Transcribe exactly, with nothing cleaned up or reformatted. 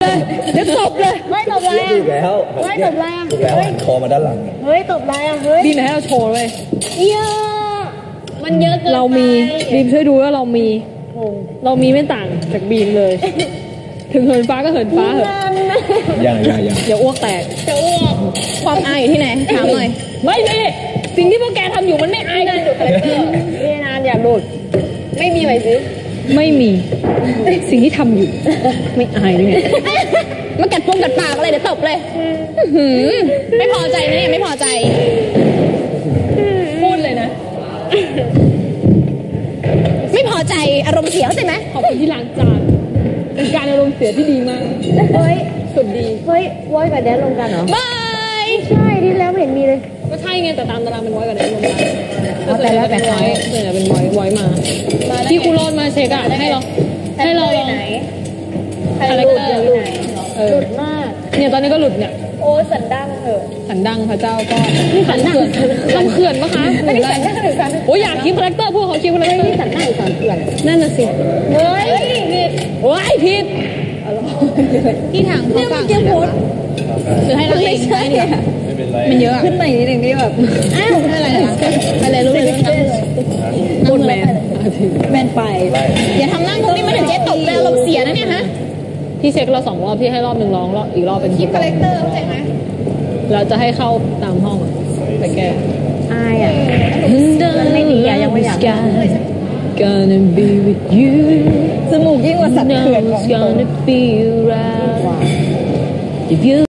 เลยเดี๋ยวตบเลยเฮ้ยตบอะไรอ่ะแล้วเฮ้ยตบอะไรอ่ะถูกแล้วหันคอมาด้านหลังเฮ้ยตบอะไรอ่ะเฮ้ยบีมให้เราโชว์เลยเยอะมันเยอะเกินเรามีบีมช่วยดูว่าเรามีเรามีไม่ต่างจากบีมเลยถึงเหินฟ้าก็เหินฟ้าเหอะยังยังยังอย่าอ้วกแตกจะอ้วกความอายอยู่ที่ไหนถามหน่อยไม่ไม่สิ่งที่พวกแกทำอยู่มันไม่อายกันอยู่เลยพี่นานอยากดูดไม่มีไหมซิไม่มีสิ่งที่ทำอยู่ไม่อายเลยมากัดปงกัดปากอะไรเดี๋ยวตบเลยไม่พอใจนะเนี่ยไม่พอใจพูดเลยนะไม่พอใจอารมณ์เสียเข้าใจไหมขอบคุณที่ล้างจานเป็นการอารมณ์เสียที่ดีมากเฮ้ยสุดดีเฮ้ยวอยกับแดนลงกันเหรอบายใช่ที่แล้วไม่เห็นมีเลยก็ใช่ไงแต่ตามตารางเป็นวอยกับแดนลงกันแต่แล้วแต่วอยส่วนใหญ่เป็นวอยวอยมาที่ครูโรนมาเช็คอะให้เราให้เราลองอะไรก็ได้หลุดมากเนี่ยตอนนี้ก็หลุดเนี่ยโอ้สันดังเถอะสันดังพระเจ้าก็สันเขื่อนสันเขื่อนปะคะไม่ได้สันดังหรือสันโอ้ยอยากคิดคาแรคเตอร์พวกเขาคิดคาแรคเตอร์สันดังหรือสันเขื่อนนั่นน่ะสิเฮ้ยผิดโอ้ยผิดที่ทางเขาฟังหรือให้เราเองได้เนี่ยมันเยอะขึ้นไปนิดนึงที่แบบอ้าวไม่อะไรนะอะไรรู้เลยพูดแมนแมนไปอย่าทำนั่งตรงนี้มาถึงเจ๊ตกแล้วเราเสียนะเนี่ยฮะพี่เช็คเราสองรอบพี่ให้รอบหนึ่งร้องรอบอีกรอบเป็นคิดคาแรคเตอร์เข้าใจไหมเราจะให้เข้าตามห้องไปแก้อายอ่ะมันไม่ดีอ่ะยังไม่อยาก Gonna be with you จมูกยิ่งกว่าสัตว์เขื่อนของ Gonna be right